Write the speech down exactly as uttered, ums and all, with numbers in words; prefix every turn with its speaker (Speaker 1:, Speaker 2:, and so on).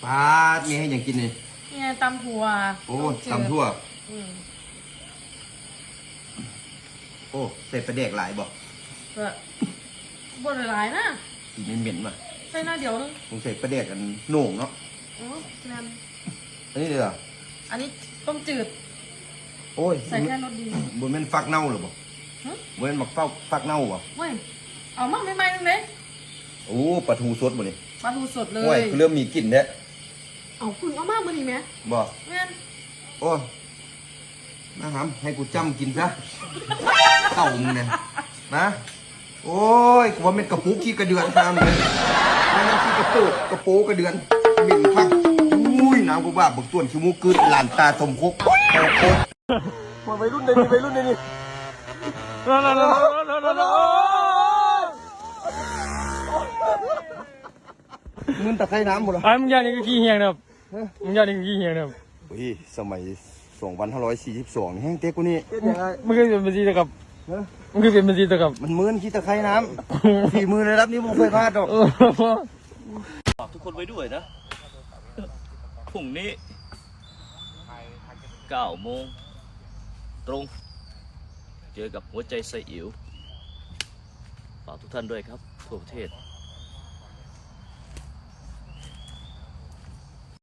Speaker 1: ปลามีให้อย่างกินนี่
Speaker 2: เนี่ยตำถั่ว
Speaker 1: โอ้ตำทั่ว
Speaker 2: อืม
Speaker 1: โอ้ใส่ปลาแดกหลายบ่
Speaker 2: ก็บ่ได้หลายนะ
Speaker 1: กินเหม็นๆมา
Speaker 2: ใส่หน้าเดียวนึง
Speaker 1: ผมใส่ปลาแดกกันโหน่งเนาะ
Speaker 2: อ๋อนั่น
Speaker 1: อันนี้เลยเหรอ
Speaker 2: อันนี้ต้มจืด
Speaker 1: โอ้ย
Speaker 2: ใส่แค่รสดี
Speaker 1: บนมันฟักเน่าหรือบ่บนมันหมักเฝ้าฟักเน่าบ่
Speaker 2: เว้ยเอามาใหม่ๆนึงเด้
Speaker 1: โอ้ปลาทูสดบ่นี่
Speaker 2: ปลาทูสดเลย
Speaker 1: โอ้ยเริ่มมีกลิ่นแล้ว
Speaker 2: เอาคุณเอามามื้อนี้แม่
Speaker 1: บ่
Speaker 2: แม่น
Speaker 1: โอ้มาหำให้กูจำกินซะเต่ามึงเนี่ยนะโอ้ยว่าเป็นกระปุกขี้กระเดือนทำเลยไม่นั่นขี้กระโปกกระโปกระเดือนเหม็นพักอุ้ยน้ำกูบ้าบึกต้วนชิมูกึดหลานตาสมคกโอ้โหมาไปรุ่นไหนนี่ไปรุ่นไหนนี่นั่นนั่นนั่นนั่นนั่นมึงตะไคร้น้ำหมดเหรอ
Speaker 3: ไอ้มึงยานี่ก็ขี้เหี้ยนะครับมึงยานี่ก็ขี้เหี้ยนะครับ
Speaker 1: เฮ้ยสมัยสองพันห้าร้อยสี่สิบสองแห้งเต๊กกูนี่
Speaker 3: มึงเคยเป็นบัญชีตะกับมึงเคยเป็นบัญชีตะกับ
Speaker 1: มันมือนขี้ตะไคร้น้ำฝีมือระดับนี้มึงเคยพลาดหรอก
Speaker 4: ฝากทุกคนไว้ด้วยนะพรุ่งนี้เก้าโมงตรงเจอกับหัวใจไซอิ๋วฝากทุกท่านด้วยครับทั่วประเทศ